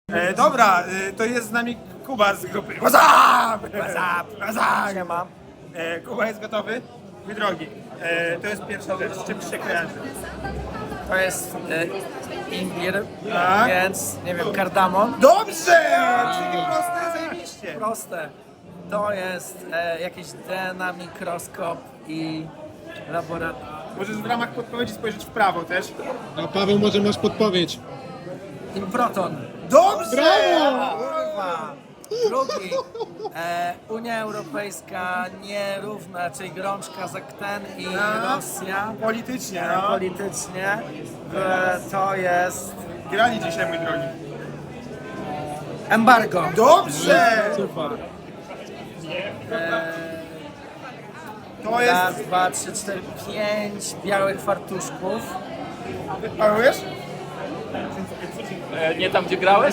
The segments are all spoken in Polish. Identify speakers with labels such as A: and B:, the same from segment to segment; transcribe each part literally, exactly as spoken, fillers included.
A: E, dobra, e, to jest z nami Kuba z grupy. What's up?
B: What's up?
A: What's up?
B: Siema.
A: E, Kuba jest gotowy? Mój drogi, e, to jest pierwsza rzecz, z czym się kojarzy?
B: To jest e, imbir,
A: Tak.
B: więc nie wiem, kardamon.
A: Dobrze! Czyli proste, zajebiście.
B: Proste. To jest e, jakieś D N A, mikroskop i laboratorium.
A: Możesz w ramach podpowiedzi spojrzeć w prawo też.
C: A Paweł, może masz podpowiedź?
B: Improton.
A: Dobrze!
C: Brawo!
B: Kurwa. Drugi. E, Unia Europejska nierówna, czyli Grączka, Zakten i
A: A.
B: Rosja.
A: Politycznie,
B: E,
A: no.
B: politycznie. E, to jest
A: Grali dzisiaj, mój drogi.
B: embargo.
A: Dobrze!
C: Super.
A: To jest...
B: Raz, dwa, trzy, cztery, pięć białych fartuszków.
A: Paweł, wiesz?
D: E, nie tam, gdzie grałeś?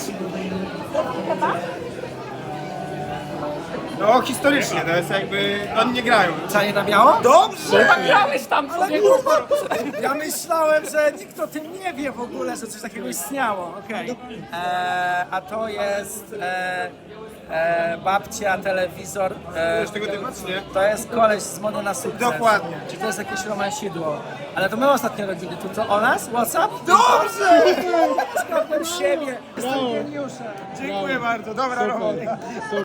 A: No historycznie, to jest jakby... Oni nie grają.
B: Czanie na biało?
A: Dobrze!
D: Grałeś tam, człowieku!
B: Ja myślałem, że nikt o tym nie wie w ogóle, że coś takiego istniało. Okej. E, A to jest e, e, babcia, telewizor. E,
A: Wiesz tego typu, czy nie?
B: to jest koleś z mody na sukces.
A: Dokładnie.
B: Czy to jest jakieś romansidło? Ale to my ostatnio robili. To, to o nas? WhatsApp?
A: Dobrze!
B: Skąd siebie? Jestem geniuszem.
A: Dziękuję bardzo, dobra robota.
C: Super.